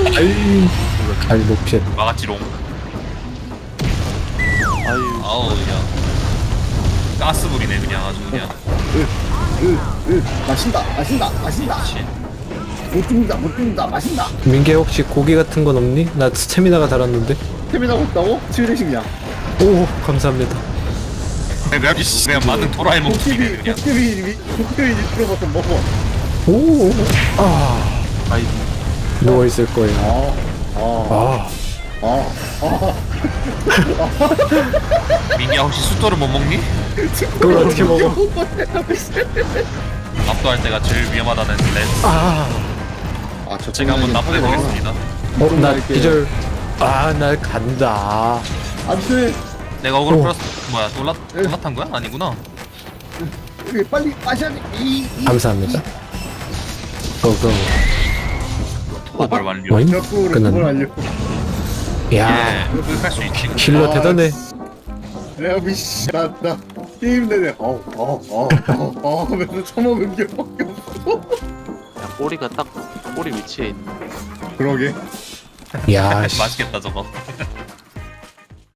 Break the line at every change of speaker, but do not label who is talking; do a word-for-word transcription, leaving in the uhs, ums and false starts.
아이 잘못 피했.
막았지롱.
아유.
아우 그냥 가스불이네 그냥 아주 그냥.
으으으 마신다 마신다 마신다
그렇지.
못 죽는다 못 죽는다 마신다.
민계 혹시 고기 같은 건 없니? 나 스태미나가 달았는데.
스태미나 없다고? 칠대식량.
오 감사합니다.
그냥 그냥 만능 도라에 먹기네
도깨비
그냥.
도깨비 도깨비 들어가서 먹어.
오. 아
아이.
누워 있을 거예요.
아아아아
아.
아,
민기야 혹시 숫도를 못 먹니?
그걸 어떻게 먹어?
납도할 때가 제일 위험하다는 렌즈.
아.
아, 저
제가 한번 납도해 보겠습니다.
어, 나 기절. 아, 나 간다.
안돼.
내가 어그로
오.
플러스 뭐야 올라 올라탄 거야? 아니구나.
빨리 마셔야 돼. 이, 이,
감사합니다. 고고.
도발 완료.
어잉?
역으로
끝났네.
그걸 알려.
야,
예, 끌할 수 있지.
힐러
아,
대단해.
내가 미씨 나나 게임 내내 어어어어 하면서 처먹은 기억밖에 없어.
야, 꼬리가 딱 꼬리 위치에 있네.
그러게.
야, 씨.
맛있겠다 저거.